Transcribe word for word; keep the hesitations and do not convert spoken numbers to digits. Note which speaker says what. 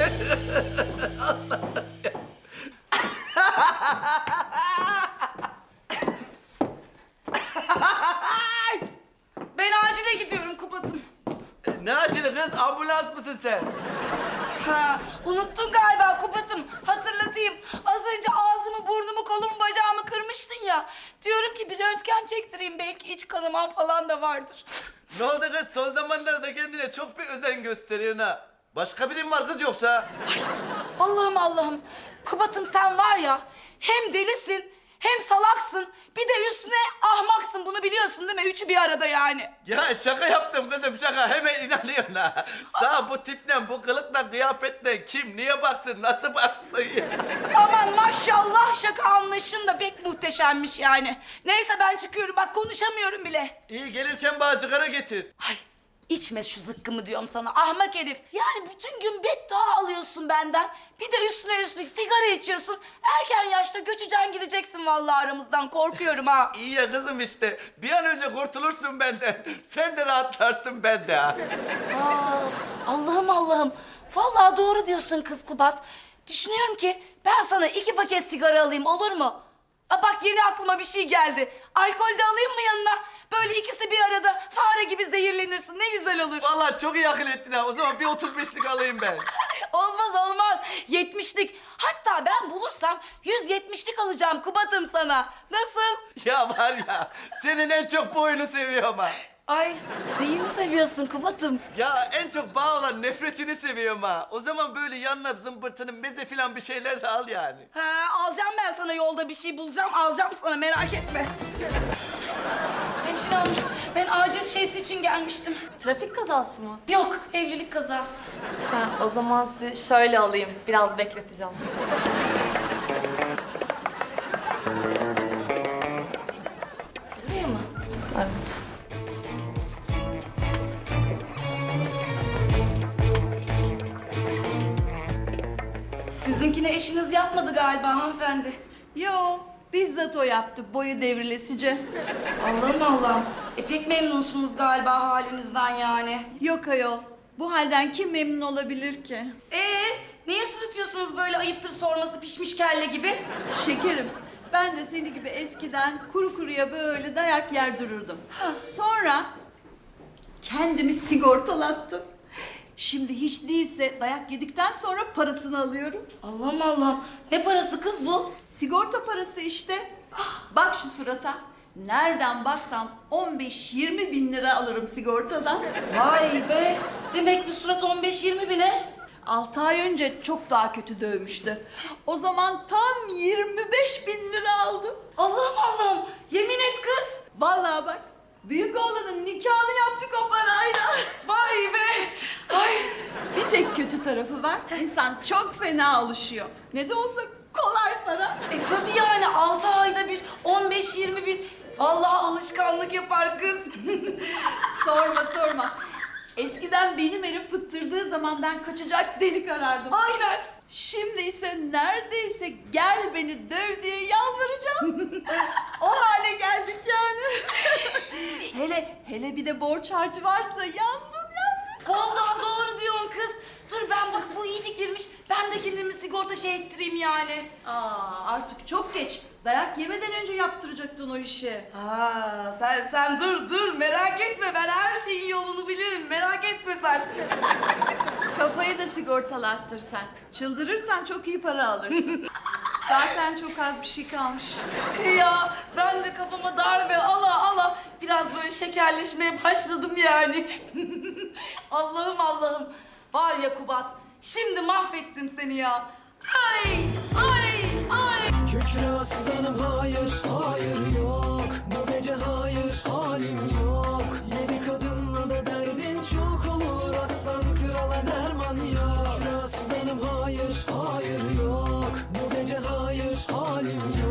Speaker 1: Ben acile gidiyorum Kubat'ım.
Speaker 2: Ne acılı kız? Ambulans mısın sen?
Speaker 1: Ha, unuttun galiba Kubat'ım. Hatırlatayım. Az önce ağzımı, burnumu, kolumu, bacağımı kırmıştın ya. Diyorum ki bir röntgen çektireyim. Belki iç kanaman falan da vardır.
Speaker 2: Ne oldu kız? Son zamanlarda kendine çok bir özen gösteriyorsun ha. Başka birim var kız yoksa?
Speaker 1: Allah'ım Allah'ım. Kubat'ım sen var ya hem delisin hem salaksın. Bir de üstüne ahmaksın. Bunu biliyorsun değil mi? Üçü bir arada yani.
Speaker 2: Ya şaka yaptım kızım şaka. Hemen inanıyorsun ha. Sağ bu tiple, bu kılıkla, kıyafetle kim niye baksın, nasıl baksın ya?
Speaker 1: Aman maşallah şaka anlayışın da pek muhteşemmiş yani. Neyse ben çıkıyorum. Bak konuşamıyorum bile.
Speaker 2: İyi gelirken bana cigara getir.
Speaker 1: Ay içme şu zıkkımı diyorum sana ahmak herif. Yani bütün gün beddua alıyorsun benden. Bir de üstüne üstlük sigara içiyorsun. Erken yaşta göçeceksin gideceksin vallahi aramızdan. Korkuyorum ha.
Speaker 2: İyi ya kızım işte. Bir an önce kurtulursun benden. Sen de rahatlarsın ben de ha.
Speaker 1: Aa, Allah'ım Allah'ım. Vallahi doğru diyorsun kız Kubat. Düşünüyorum ki ben sana iki paket sigara alayım olur mu? Aa, bak yeni aklıma bir şey geldi. Alkol de alayım mı yanına? Böyle ikisi bir arada fare gibi zehirlenirsin. Ne güzel olur.
Speaker 2: Vallahi çok iyi akıl ettin ha. O zaman bir otuz beşlik alayım ben.
Speaker 1: Olmaz olmaz. Yetmişlik. Hatta ben bulursam yüz yetmişlik alacağım Kubat'ım sana. Nasıl?
Speaker 2: Ya var ya, senin en çok bu oyunu seviyorum ha.
Speaker 1: Ay neyimi seviyorsun Kubat'ım?
Speaker 2: Ya en çok bağ olan nefretini seviyorum ha. O zaman böyle yanına zımbırtının meze falan bir şeyler de al yani.
Speaker 1: Ha, alacağım ben sana yolda bir şey bulacağım. Alacağım sana merak etme. Hemşire hanım ben acil şeysi için gelmiştim.
Speaker 3: Trafik kazası mı?
Speaker 1: Yok evlilik kazası.
Speaker 3: Ha, o zaman sizi şöyle alayım. Biraz bekleteceğim.
Speaker 1: Buraya mı?
Speaker 3: Evet.
Speaker 1: Sizinkini eşiniz yapmadı galiba hanımefendi.
Speaker 4: Yo, bizzat o yaptı boyu devrilesice.
Speaker 1: Allah'ım Allah'ım. E pek memnunsunuz galiba halinizden yani.
Speaker 4: Yok ayol, bu halden kim memnun olabilir ki?
Speaker 1: Ee, niye sırıtıyorsunuz böyle ayıptır sorması pişmiş kelle gibi?
Speaker 4: Şekerim, ben de seni gibi eskiden kuru kuruya böyle dayak yer dururdum. Sonra kendimi sigortalattım. Şimdi hiç değilse dayak yedikten sonra parasını alıyorum.
Speaker 1: Allah'ım Allah'ım. Ne parası kız bu?
Speaker 4: Sigorta parası işte. Bak şu surata. Nereden baksan on beş yirmi bin lira alırım sigortadan.
Speaker 1: Vay be. Demek bu surat on beş yirmi bine.
Speaker 4: Altı ay önce çok daha kötü dövmüştü. O zaman tam yirmi beş bin lira aldım.
Speaker 1: Allah'ım Allah'ım. Yemin et kız.
Speaker 4: Vallahi bak, büyük oğlanın nikahını yaptık o parayla.
Speaker 1: Vay be. Ay.
Speaker 4: Bir tek kötü tarafı var. İnsan çok fena alışıyor. Ne de olsa kolay para.
Speaker 1: E tabii yani altı ayda bir on beş yirmi bin. Vallahi alışkanlık yapar kız.
Speaker 4: Sorma sorma. Eskiden benim elim fıttırdığı zaman ben kaçacak delik arardım.
Speaker 1: Aynen.
Speaker 4: Şimdi ise neredeyse gel beni döv diye yalvaracağım. O hale geldik yani. hele hele bir de borç harcı varsa yandım yandım.
Speaker 1: Vallahi doğru diyorsun kız. Dur ben bak bu iyi fikirmiş. Ben de kendimi sigorta şey ettireyim yani.
Speaker 4: Aa, artık çok geç. Dayak yemeden önce yaptıracaktın o işi.
Speaker 1: Ha sen sen dur dur merak etme ben her şeyin yolunu bilirim merak etme sen.
Speaker 4: Kafayı da sigortalattır sen. Çıldırırsan çok iyi para alırsın. Zaten çok az bir şey kalmış.
Speaker 1: Ya ben de kafama darbe ala ala biraz böyle şekerleşmeye başladım yani. Allah'ım Allah'ım var ya Kubat şimdi mahvettim seni ya. Ay ay ay.
Speaker 5: Kükre aslanım hayır, hayır yok. Bu gece hayır, halim yok. Yeni kadınla da derdin çok olur. Aslan krala derman yok. Kükre aslanım hayır, hayır yok. Bu gece hayır, halim yok.